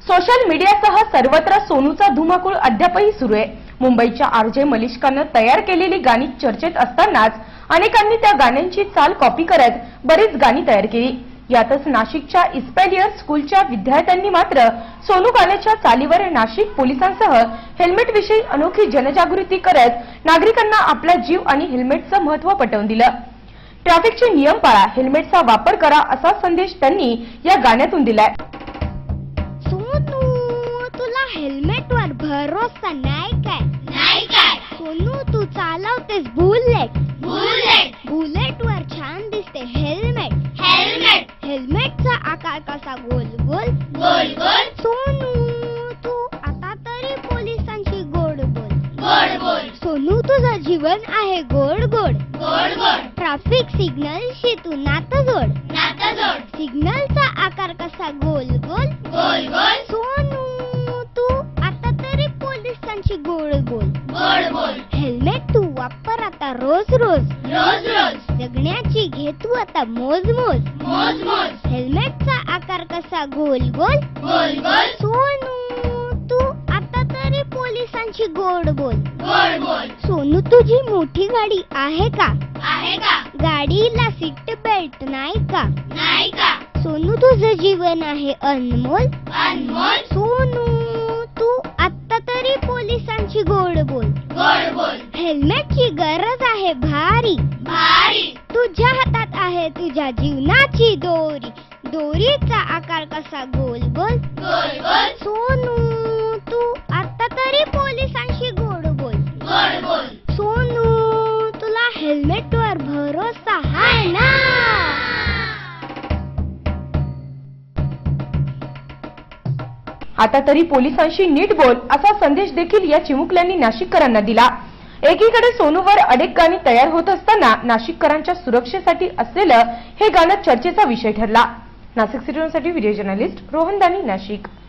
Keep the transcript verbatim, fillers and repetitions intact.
Social मीडियासह सर्वत्र सोनूचा धुमाकूळ अद्यापही सुरू आहे। मुंबईच्या आरजे मलिष्कानं तयार केलेली गाणी चर्चेत असतानाच अनेकांनी त्या गाण्यांची चाल कॉपी करत बरीच गाणी तयार केली। यातच नाशिकच्या इस्पॅलियर स्कूलच्या विद्यार्थ्यांनी मात्र सोनू गाण्याच्या चालीवर नाशिक पोलिसांसह हेल्मेट विषयी अनोखी जनजागृती करत नागरिकांना आपला जीव आणि हेल्मेटचं महत्त्व पटवून दिलं। ट्रॅफिकचे नियम पाळा, हेल्मेटचा वापर करा असा संदेश त्यांनी या गाण्यातून दिलाय। सोनू तुला हेल्मेटवर भरोसा नाही काय? नाही काय? सोनू तू चालवतेस बुलेट बुलेट बुलेटवर छान दिसते हेल्मेट हेल्मेट हेल्मेटचा आकार कसा गोल गोल गोल गोल सोनू तू आता तरी पोलिसांची गोड बोल गोड गोल सोनू तुझं जीवन आहे गोड गोड गोड गोड ट्रॅफिक सिग्नलशी तू नातं जोड नाता जोड सिग्नलचा आकार कसा गोल गोल गोल गोल सोनू तू आता तरी पोलिसांची गोड बोल गोड गोल हेल्मेट तू वापर आता रोज रोज रोज रोज जगण्याची घे तू आता मोज मोज मोज मोज हेल्मेटचा आकार कसा गोल गोल गोल गोल सोनू तू आता तरी पोलिसांची गोड बोल गोड गोल सोनू तुझी मोठी गाडी आहे का? आहे का? गाडीला सीट बेल्ट नाही का? नाही का? सोनू तुझं जीवन आहे अनमोल अनमोल सोनू तू आता तरी पोलिसांची गोड बोल गोड गोल हेल्मेटची गरज आहे भारी भारी तुझ्या हातात आहे तुझ्या जीवनाची दोरी दोरीचा आकार कसा गोल गोल गोल गोल सोनू तू आता तरी पोलिसांशी गोड बोल गोड गोल सोनू तुला हेल्मेटवर भरोसा आहे ना? आता तरी पोलिसांशी नीट बोल असा संदेश देखील या चिमुकल्यांनी नाशिककरांना दिला। एकीकडे सोनूवर अनेक गाणी तयार होत असताना नाशिककरांच्या सुरक्षेसाठी असलेलं हे गाणं चर्चेचा विषय ठरला। नाशिक सिटी न्यूजसाठी व्हिडिओ जर्नलिस्ट रोहन दानी, नाशिक।